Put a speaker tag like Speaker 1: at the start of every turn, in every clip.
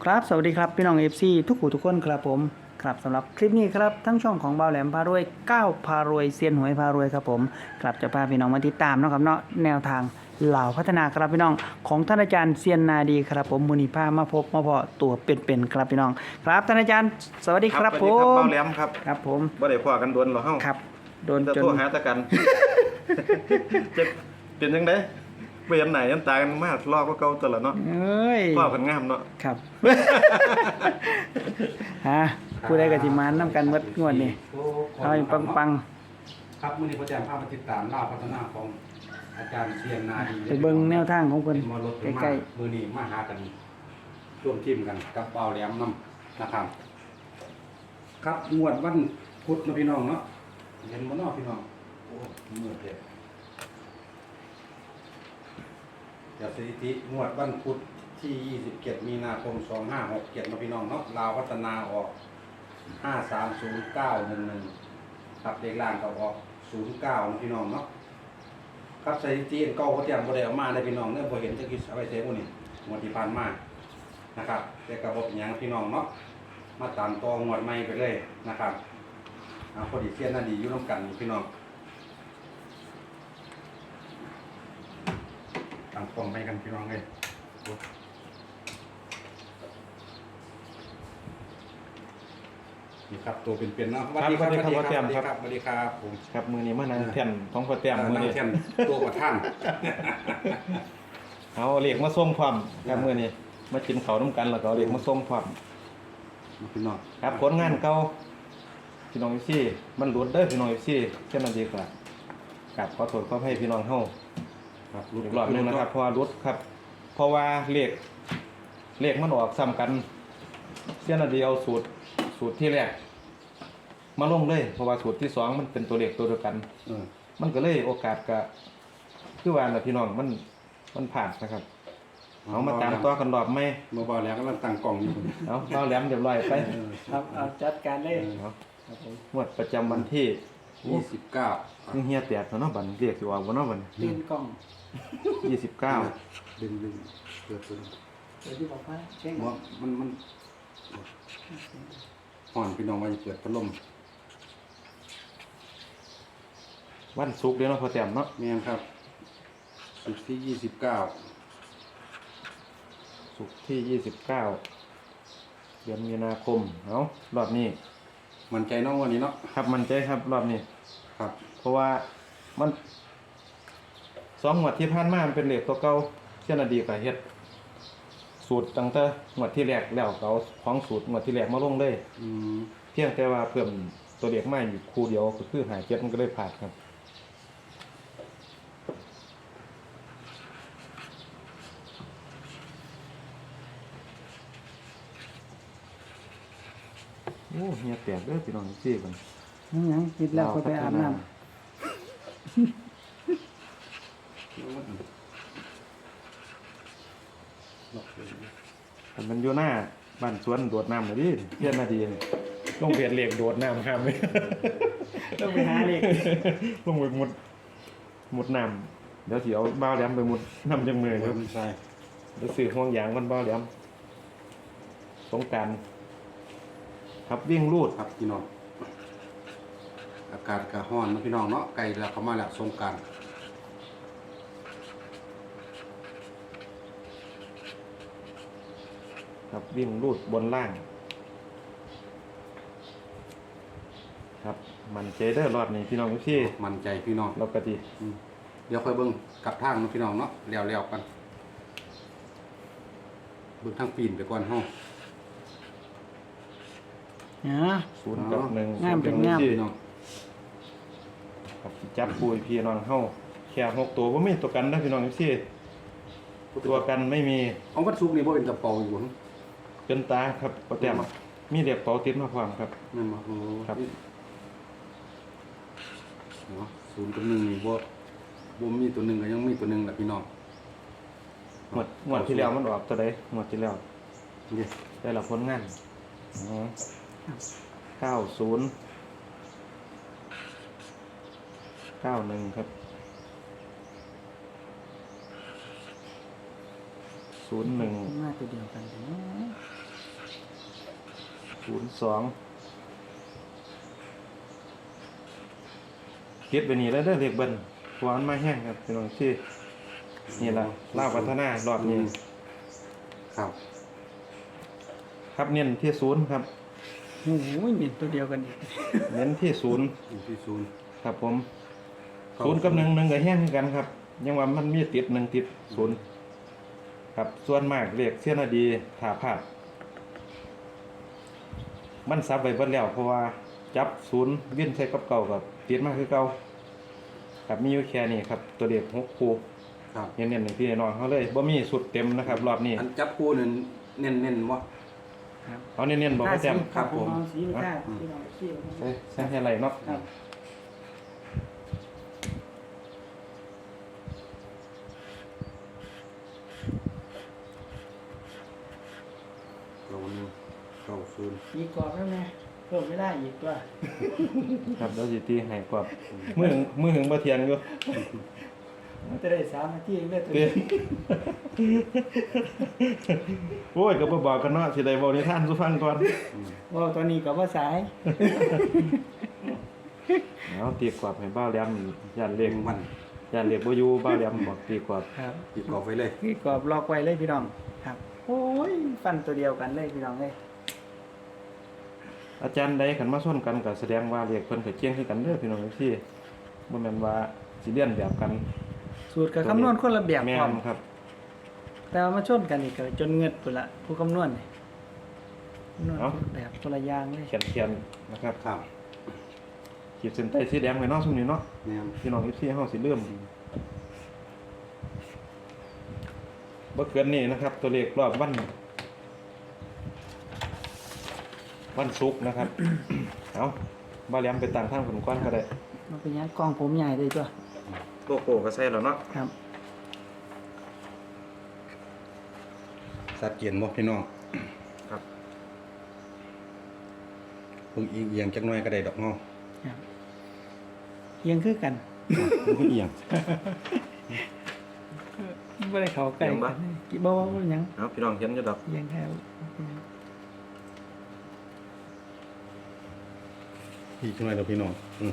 Speaker 1: ครับสวัสดีครับพี่น้อง FC ทุกผู้ทุกคนครับผมครับสำหรับคลิปนี้ครับทั้งช่องของบ่าวแหลมพารวยก้าวพารวยเซียนหวยพารวยครับผมครับจะพาพี่น้องมาติดตามนะครับเนาะแนวทางเหล่าพัฒนาครับพี่น้องของท่านอาจารย์เซียนนาดีครับผมมูนิภามาพบมาเพาะตัวเป็นๆครับพี่น้องครับท่านอาจารย์สวัสดีครับผ
Speaker 2: สวัสดีครับ
Speaker 1: ม
Speaker 2: เบาแหลมครับ
Speaker 1: ครับผม
Speaker 2: บ่ได้พอกันโดนหรอเฮา
Speaker 1: ครับโดน
Speaker 2: จะ
Speaker 1: จน
Speaker 2: โทรหาตะกัน จะเป็นจังได๋เปลี่ยนไหนยันตากันมากรอบก็เก่าตัวละเนาะ
Speaker 1: เอ้ย
Speaker 2: พ่อกันงามเนาะ
Speaker 1: ครับ ฮะผู้ใดก็สิมานำกันหมดงวดนี้เอาให้ปังๆ
Speaker 3: ครับมื้อนี้พ่อแจ้งพามาติดตามล่าพัฒนาของอาจารย์เซียนนาดี
Speaker 1: ไปเบิ่งแนวทางของเพิ่น
Speaker 3: มารถ
Speaker 1: ใกล้
Speaker 3: ๆมื้อนี้มาหากันร่วมทีมกันกับเบาแหลมนํนะครับครับงวดวันพุธเนาะพี่น้องเนาะเห็นบ่เนาะพี่น้องโอ้มืดเลยเดี๋ยวสถิติงวดวันพุธที่27มีนาคม2567เนาะพี่น้องเนาะลาวพัฒนาออก530911ครับเลขล่างก็ออก09เนาะพี่น้องเนาะครับสถิติเก่าเขาเตรียมบ่ได้เอามาได้พี่น้องเด้อบ่เห็นจักคิดเอาไว้เซฟบ่นี่งวดที่ผ่านมานะครับแต่ก็บ่เป็นหยังพี่น้องเนาะมาตามต่องวดใหม่ไปเลยนะครับพอดีเซียนน่าดีอยู่นำกันพี่น้องตั้งกล้องไปกันพี่น้องเอ้ยนี่ครับตัวเป็นๆเนาะสวัสดีครับสวัสดีครับสวัสดีครับผม
Speaker 2: ครับมือนี้มานั่งแท่นท้องพ่อแต้มมือนี้
Speaker 3: แทนตัวประท่าน
Speaker 2: เอาเลขมาส่งพร้อมครับมือนี้มากินข้าวนํกันแล้วก็เอาเลขมาส่งพร้อม
Speaker 3: พี่น้อง
Speaker 2: ครับผลงานเก่าพี่น้อง FC มันหลุดเด้อพี่น้อง FC เช่นนั้นดีกว่ากับขอโทษขออภัยพี่น้องเฮา
Speaker 3: ครับ
Speaker 2: อีกรอบหนึงนะครับเพราะว่ารุดครับเพราะว่าเลขมันออกซ้ำกันเสี้ยนอันเดียวสูตรที่แรกมาลงเลยเพราะว่าสูตรที่สองมันเป็นตัวเลขตัวเดียวกัน มันก็เลยโอกาสก็คือว่าน่ะพี่น้องมันผ่านนะครับเอามาตามต่อกันรอบไหม
Speaker 3: เมื่อบ่แล้วกำลังตั้งกล่องอยู่
Speaker 2: เอาเบาแหลมเรียบร้อยไป
Speaker 1: ครับเอาจัดการเลย
Speaker 2: เอา
Speaker 1: ครับผม
Speaker 2: งวดประจำวันที่
Speaker 3: 29
Speaker 2: เฮียแตกเนาะบัดเรียกสิว่าบ่เนาะบัด
Speaker 1: ตีนกล้อง
Speaker 2: 29
Speaker 3: ดึงเปิดตัว
Speaker 1: เดี๋ยวที่บอกว่าเช็ค
Speaker 3: ว่ามันห่อนพี่น้องว่าจะเปิดพัดลม
Speaker 2: วันศุกร์เด้อเนาะพอแต้มเนาะ
Speaker 3: แม่นครับศุกร์ที่29
Speaker 2: ศุกร์ที่ 29 เดือนมีนาคมเอารอบนี้
Speaker 3: มั่นใจน้องวันนี้เนาะ
Speaker 2: ครับมันใจครับรอบนี้
Speaker 3: ครับ
Speaker 2: เพราะว่ามัน2งวดที่ผ่านมามันเป็นเลขตัวเก่าเช่นอดีตก็เฮ็ดสูตรตั้งแต่งวดที่แรกแล้วก็เอาของสูตรงวดที่แรกมาลงเลย
Speaker 3: อืม
Speaker 2: เพียงแต่ว่าเพิ่มตัวเลขมาอยู่คู่เดียวก็คือ57มันก็เลยผ่านครับโอ้เฮียแตกเด้อพี่น้องซี่เพิ่น
Speaker 1: ยังคิดแล้วก็ไปอาบน้
Speaker 2: มันอยู่หน้าบ้านสวนโดดน้ำเลยดิเพี้ยนนาดีนี่ลงเพียนเหล็กโดดน้ำห้ามเลย
Speaker 1: ำต้องไปหาเลข
Speaker 2: ลงไปมุดน้ำเดี๋ยวสิเอาบ้าวแหลมไปมุดน้ำจังมือ
Speaker 3: เดี๋
Speaker 2: เดี๋
Speaker 3: ย
Speaker 2: ยว ว
Speaker 3: มันใส่
Speaker 2: สื่อห่วงยางมันบ้าวแหลมสงกรานต์ครับวิ่งรูด
Speaker 3: ครับพี่น้องอากาศก็ร้อนเนาะพี่น้องเนาะใกล้แล้วเข้ามาแล้วสงกรานต์
Speaker 2: ครับวิ่งรูดบนล่าง ครับมันเจเดอร์รอดนี่พี่น้องทุกที่
Speaker 3: มั่นใจพี่น้อง
Speaker 2: เราก็ดี
Speaker 3: เดี๋ยวค่อยเบิ่งกลับทางเนาะพี่น้องเนาะแล้วๆกันเบิ่งทางปีนไปก่อนเฮา
Speaker 1: เนี่ย
Speaker 2: 0 กับ 1
Speaker 1: งามเป็นงาม
Speaker 2: พี่น้องครับสิจับปุยพี่น้องเฮาแค่6ตัวบ่มีตัวกันนะพี่น้องทุกที่ตัวกันไม่มี
Speaker 3: เอาวัดซุกนี่บ่เป็นกระเป๋าอยู่หั่น
Speaker 2: เป็นตาครับโปรแกรมมีเรียกเป๋าติดมาพร้อมครับ
Speaker 3: แม่นบ่โอ้
Speaker 2: ครับ
Speaker 3: เนาะ0 กับ 1นี่บ่มีตัวหนึงก็ยังมีตัวหนึงแหละพี่น้อง
Speaker 2: งวดที่แล้วมันออกตัวใดงวดที่แล้ว
Speaker 3: นี่
Speaker 2: ได้รับผลงาน90 91ครับ01
Speaker 1: มาตัวเดียวกันแต่เนาะ
Speaker 2: 02เก็บไปนี่แล้วเด้อเลขเบิ้ลเพราะว่ามันมาแห้งครับพี่น้องที่นี่ล่ะลาวพัฒนารอบนี้
Speaker 3: ครับ
Speaker 2: ครับเน้นที่0ครับ
Speaker 1: โอ้โหมีตัวเดียวกันอีก
Speaker 2: เน้นที่0
Speaker 3: อยู่ที่ศูนย์
Speaker 2: ครับผม0กับ1ก็แห้งคือกันครับยังว่ามันมีติด1ติด0ครับส่วนมากเลขเสี้ยนอดีถ้าพลาดมันซับไว้เบิดแล้วเพราะว่าจับ0วิ่นใส่กับเก่ากับติดมาคือเก่าครับมีอยู่แค่นี้ครับตัวเลข6คู่
Speaker 3: ครับ
Speaker 2: เน้นๆอย่างพี่น้องเขาเลยบ่มีสุดเต็มนะครับรอบนี้
Speaker 3: อันจับคู่นั่นเน้นๆบ่
Speaker 1: ครับ
Speaker 2: เอาเน้นๆบอกว่าแจ่ม
Speaker 3: ครับผม
Speaker 1: เอาสีไปท่าพี่น้องสีไป
Speaker 2: ใช่ใช่ให้ไรเนาะ
Speaker 1: ครับ
Speaker 3: เรานี่เข้าศูนย์
Speaker 1: อีกกรอบแล้วไงเพิ่มไม่ได้อีกตัว
Speaker 2: ครับแล้วสิตีให้กว่ามือหึงบ่เทียงอยู่
Speaker 1: มันจะได้3 นาทีเรื่อยตัว
Speaker 2: เตี้ยโอ้ยก็บ่บอกกันเนาะสิได้เว้านิทานสู่ฟังก่อน
Speaker 1: ว่าตอนนี้ก็ว่าสาย
Speaker 2: เอาตีกว่าให้บ้าวแหลมย่านเลข
Speaker 3: มัน
Speaker 2: ย่านเลขบ่อยู่บ้าวแหลมบอกตีกว่า
Speaker 1: ครับ
Speaker 3: อีกกรอบไว้เลย
Speaker 1: อีกกรอบล็อกไว้เลยพี่น้องครับโอ้ยฟันตัวเดียวกันเลยพี่น้องเลย
Speaker 2: อาจารย์ใดคันมาส้นกันก็แสดงว่าเลขเพิ่นก็เก่งคือกันเด้อพี่น้องพี่บ่แม่นว่าสิเรียนแบบกัน
Speaker 1: สูตรกับคำนวณคนละแบบ
Speaker 2: แม่
Speaker 1: พร้อม
Speaker 2: นครับ
Speaker 1: แต่ว่ามาชนกันอีกก็จนเงิดพุ่นละผู้คำนวณนี่คำนวณคนละแบบคนละอย่างเลย
Speaker 2: เขียนๆนะครับ
Speaker 3: ครับ
Speaker 2: ขีดเส้นใต้สีแดงไว้เนาะซุมนี้เนาะ
Speaker 3: แม่น
Speaker 2: พี่น้องพี่เฮาสิเริ่มบ่เกินนี้นะครับ ตัวเลขรอบวันศุกร์นะครับ เอาบ่แหลมไปต่างทางผลก้อนก็ได้
Speaker 1: มันเป็นยังกล้องผมใหญ่เลยตัว
Speaker 2: โลโก้ก็ใส่แล้วเนาะ
Speaker 1: ครับ
Speaker 3: สัดเกียนบ่พี่น้อง
Speaker 2: ครับ
Speaker 3: เพิ่งอีกเอียงจักหน่อยก็ได้ดอกเนาะ
Speaker 1: ครับเอียงคือกัน
Speaker 3: เพิ่งเอียง
Speaker 1: ไม่ได้เข้าใกล้กันกี่บ่ว่าหยัง
Speaker 2: เอาพี่น้องเห็นอยู่ดอก
Speaker 1: เอียงแค่
Speaker 3: อีกจักหน่อยเด้อพี่น้อง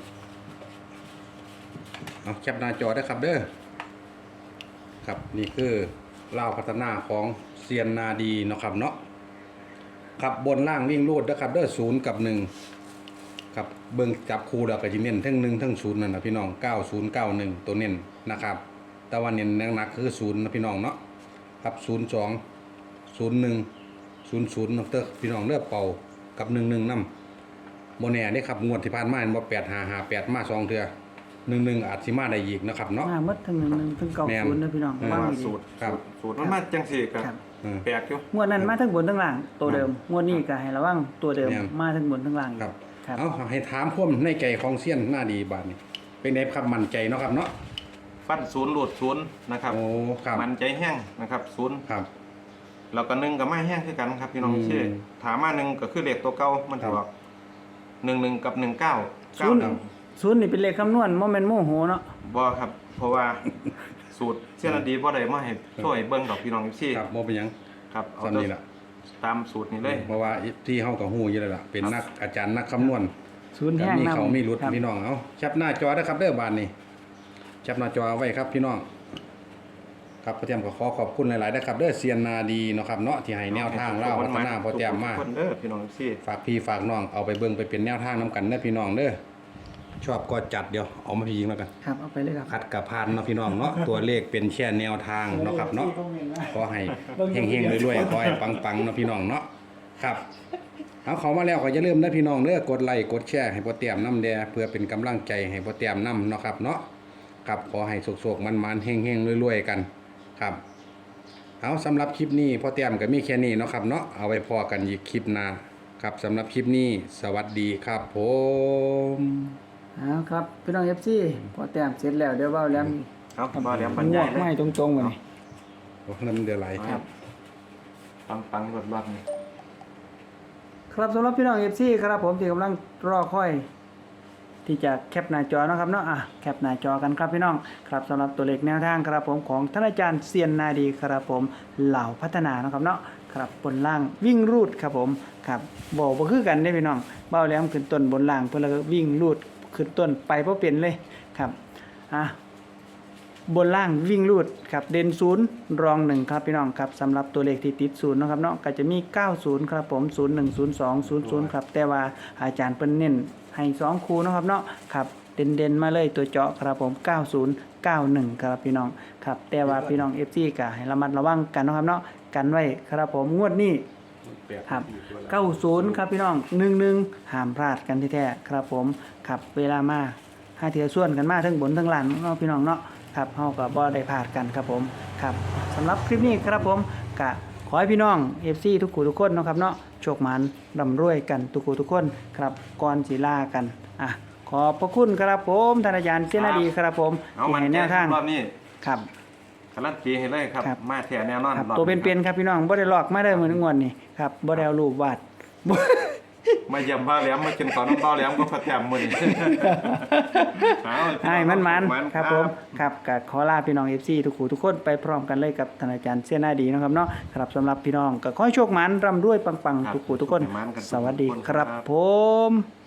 Speaker 3: เอาแคปหน้าจอได้ครับเด้อครับนี่คือลาวพัฒนาของเซียนนาดีเนาะครับเนาะครับบนล่างวิ่งรูดนะครับเด้อ0กับ1ครับเบิ่งจับคู่แล้วก็สิเน้นทั้ง1ทั้ง0นั่นน่ะพี่น้อง9091ตัวเน้นนะครับแต่ว่าเน้นหนักๆคือ0นะพี่น้องเนาะครับ02 01 00นเด้อพี่น้องเด้อเป่ากับ11นำบ่แน่เด้ครับงวดที่ผ่านมาเห็นบ่8558มา2เทื่อ11อาจสิมาได้อีกนะครับเนาะ
Speaker 1: มาหมดทั้ง1 1ทั้ง90นะพี่น้อง
Speaker 3: แม่น
Speaker 1: ว่าง
Speaker 2: ว่า
Speaker 1: ดี
Speaker 2: สูตร
Speaker 3: ครับ
Speaker 2: สูตรมันมาจังซี่ก็
Speaker 1: ครับ
Speaker 2: แปลกอยู่
Speaker 1: งวดนั้นมาทั้งบนทั้งล่างตัวเดิมงวดนี้ก็ให้ระวังตัวเดิม
Speaker 3: แม่น
Speaker 1: มาทั้งบนทั้งล่าง
Speaker 3: ครับ
Speaker 1: ครับ
Speaker 3: เอาให้ถามความในใจของเซียนหน้าดีบาดนี้เป็นไงครับมั่นใจเนาะครับเนาะ
Speaker 2: ฟัน0หลุด0นะครับ
Speaker 3: โอ้ครับ
Speaker 2: มันใจแห้งนะครับ0
Speaker 3: ครับ
Speaker 2: แล้วก็1ก็มาแห้งคือกันครับพี่น้อง
Speaker 3: อืม
Speaker 2: พี่ถามมา1ก็คือเลขตัวเก่ามันสิ
Speaker 3: ครับ
Speaker 2: ออก11กับ19
Speaker 1: ศูนย์
Speaker 2: 91
Speaker 1: ศูนย์นี่เป็นเลขคำนวณบ่แม่นโมโหเนาะ
Speaker 2: บ่ครับ เพราะว่าสูตรเสี้ยนอดีบ่ได้มาให้ช่วยเบิ่งดอกพี่น้องพี่
Speaker 3: ครับบ่เป็นหยัง
Speaker 2: ครับเอา
Speaker 3: ซ้ำนี่ล่ะ
Speaker 2: ตามสูตรนี้เลย
Speaker 3: เพราะว่าที่เฮาก็ฮู้อยู่แล้วล่ะเป็นนักอาจารย์นักคำนวณ
Speaker 1: ศูนย์
Speaker 3: แต่
Speaker 1: แห้ง
Speaker 3: มี
Speaker 1: นำ
Speaker 3: เขามีรุด
Speaker 1: ครับ
Speaker 3: พี่น้องเอาแคปหน้าจอเด้อครับเด้อบาดนี้แคปหน้าจอเอาไว้ครับพี่น้องครับพ่อแต้มก็ขอขอบคุณหลายๆนะครับเด้อเซียนนาดีเนาะครับเนาะที่ให้แนวทางเล่าพัฒนาพ่อแต้มมา
Speaker 2: ทุกคนเด้อพี่น้องพี่
Speaker 3: ฝากพี่ฝากน้องเอาไปเบิ่งไปเป็นแนวทางนํกันเด้อพี่น้องเด้อชอบก็จัดเดี๋ยวเอามาพี่ยิงแล้วกัน
Speaker 1: ครับเอาไปเลยครับ
Speaker 3: ขัดกับพานเนาะพี่น้องเนาะ ตัวเลขเป็นแค่แนวทางเนาะครับเนาะก็ให้เฮงๆรวยๆขอให้ปังๆเนาะพี่น้องเนาะครับเอาเข้ามาแล้วก็อย่าลืมนะพี่น้องเด้อกดไลค์กดแชร์ให้พ่อเตรียมน้ำแดเพื่อเป็นกำลังใจให้พ่อเตรียมน้ำเนาะครับเนาะครับขอให้สุกๆมันๆเฮงๆรวยๆกันครับเอาสำหรับคลิปนี้พ่อเตรียมก็มีแค่นี้เนาะครับเนาะเอาไว้พอกันอีกคลิปหน้าครับสำหรับคลิปนี้สวัสดีครับผม
Speaker 1: เอาครับพี่น้อง FC พอแต้มเสร็จแล้วเดี๋ยวเว้าแล้ว
Speaker 2: เอาบ่แล้วบรร
Speaker 1: ง
Speaker 2: ยา
Speaker 1: วย ก
Speaker 2: เล
Speaker 1: ไม้
Speaker 2: ย
Speaker 1: ตรงๆมานี่
Speaker 3: โอ้น้ำเดือดไหล
Speaker 2: ครับปังๆรอดๆนี่
Speaker 1: ครับสำหรับพี่น้อง FC ครับผมที่กำลังรอคอย ที่จะแคปหน้าจอเนาะครับเนาะแคปหน้าจอกันครับพี่น้องครับสำหรับตัวเลขแนวทางครับผมของท่านอาจารย์เซียนนาดีครับผมเหล่าพัฒนาเนาะครับเนาะครับบนล่างวิ่งรูดครับผมครับบอกบ่คือกันได้พี่น้องเบ้าแหลมขึ้นต้นบนล่างเพิ่นแล้วก็วิ่งรูดขึ้นต้นไปบ่เป็นเลยครับบนล่างวิ่งรูดครับเด่น0รอง1ครับพี่น้องครับสำหรับตัวเลขที่ติด0นะครับเนาะก็จะมี90ครับผม01 02 00ครับแต่ว่าอาจารย์เพิ่นเน้นให้2คู่นะครับเนาะครับเด่นๆมาเลยตัวเจาะครับผม90 91ครับพี่น้องครับแต่ว่าพี่น้อง FC ก็ให้ระมัดระวังกันนะครับเนาะกันไว้ครับผมงวดนี้ครับ90ครับพี่น้อง11ห้ามพลาดกันแท้ๆครับผมครับเวลามาหาเทื่อส่วนกันมาทั้งบนทั้งล่างเนาะพี่น้องเนาะครับเฮาก็บ่ได้พลาดกันครับผมครับสำหรับคลิปนี้ครับผมก็ขอให้พี่น้อง FC ทุกคู่ทุกคนเนาะครับเนาะโชคหมานร่ำรวยกันทุกคู่ทุกคนครับก่อนสิลากันขอบพระคุณครับผมท่านอาจารย์เจนดีครับผม
Speaker 2: เอา
Speaker 1: ที่
Speaker 2: มัน
Speaker 1: ให้แนวทาง
Speaker 2: รอบนี้
Speaker 1: ครับ
Speaker 2: การันตีให้เลยครับ
Speaker 1: ครับ
Speaker 2: มาแท้แน่นอน
Speaker 1: ครับ
Speaker 2: รอบ
Speaker 1: ตัวเป็นๆครับพี่น้องบ่ได้หลอกมาได้มื้องวดนี่ครับบ่ได้เอารูปวาด บ่
Speaker 2: มาเยี่ยมบ้าแหลมมากินข้าวน้ำบ้าแหลมก็พะแจมมื้อนี้
Speaker 1: ให้มันๆครับผมครับก็ขอลาพี่น้อง FC ทุกคู่ทุกคนไปพร้อมกันเลยกับท่านอาจารย์เสียหน้าดีนะครับเนาะครับสำหรับพี่น้องก็ขอให้โชคหมานร่ำรวยปังๆทุกคู่ทุกคน สวัสดีครับผม